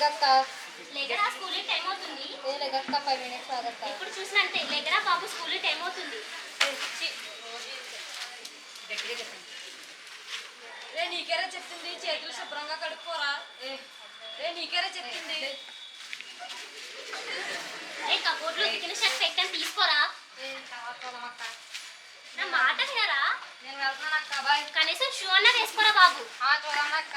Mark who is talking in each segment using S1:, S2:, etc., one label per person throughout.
S1: లెగక్క
S2: లేకరా school time అవుతుంది.
S1: లెగక్క 5 minutes ఆగక్క.
S2: ఎప్పుడు చూసినా అంతే. లేకరా బాబు స్కూల్ టైం అవుతుంది.
S3: రే నీకేరా చెప్తుంది చేతులు శుభ్రంగా కడుక్కోరా. రే నీకేరా చెప్తుంది.
S2: రే కబోర్డ్లో ఉతికిన షర్ట్ పెట్టని తీసుకోరా. నా మాట వినరా?
S1: నేను వెళ్తున్నాను అక్క. బాయ్.
S2: కనీసం షూ అన్నా వేసుకోరా బాబు.
S1: చూడన్నా అక్క.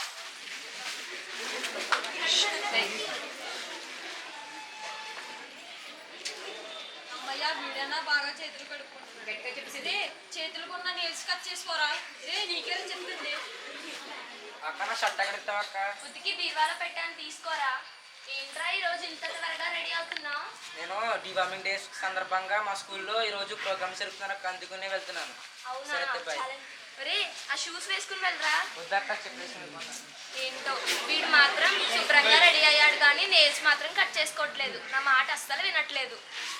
S3: అమ్మయ్య వీడన్నా బాగా చేతులు కడుక్కుంటున్నాడు. రే చేతులకున్న నీల్స్ కట్ చేసుకోరా. రే నీకేరా చెప్తుంది.
S4: అక్క నా షర్ట్ ఎక్కడ ఇస్తావు అక్క?
S2: ఉతికి బీరువాలో పెట్టని తీసుకోరా. ఏంట్రా ఈ రోజు ఇంత త్వరగా రెడీ అవుతున్నావు?
S4: నేను డివార్మింగ్ డే సందర్భంగా మా స్కూల్లో ఈరోజు ప్రోగ్రామ్స్ జరుపుతున్నారు అక్క, అందుకునే వెళ్తున్నాను.
S2: అవునా?
S4: సరే బాయ్.
S2: రే ఆ షూస్ వేసుకుని వెళ్ళరా.
S4: వద్దక్క చెప్పేసి.
S2: ఏంటో వీడు మాత్రం శుభ్రంగా రెడీ అయ్యాడు కానీ నేల్స్ మాత్రం కట్ చేసుకోవట్లేదు. నా మాట అస్సలు వినట్లేదు.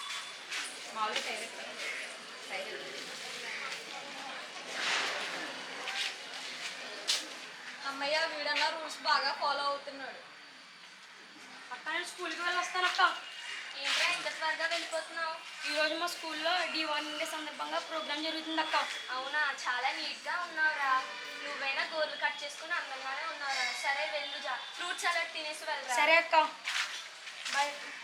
S3: అమ్మయ్య వీడన్నా రూల్స్ బాగా ఫాలో అవుతున్నాడు.
S5: అక్క నేను స్కూల్కి వెళ్ళి వస్తాను అక్క.
S2: ఏంట్రా ఇంత త్వరగా వెళ్ళిపోతున్నావు?
S5: ఈరోజు మా స్కూల్లో డివార్మింగ్ డే సందర్భంగా ప్రోగ్రామ్ జరుగుతుంది అక్క.
S2: అవునా, చాలా నీట్గా ఉన్నావురా. నువ్వైనా గోర్లు కట్ చేసుకుని అందంగానే ఉన్నావురా. సరే వెళ్ళు, ఫ్రూట్ సలాడ్ తినేసి వెళ్ళరా.
S5: సరే అక్క.
S2: బాయ్.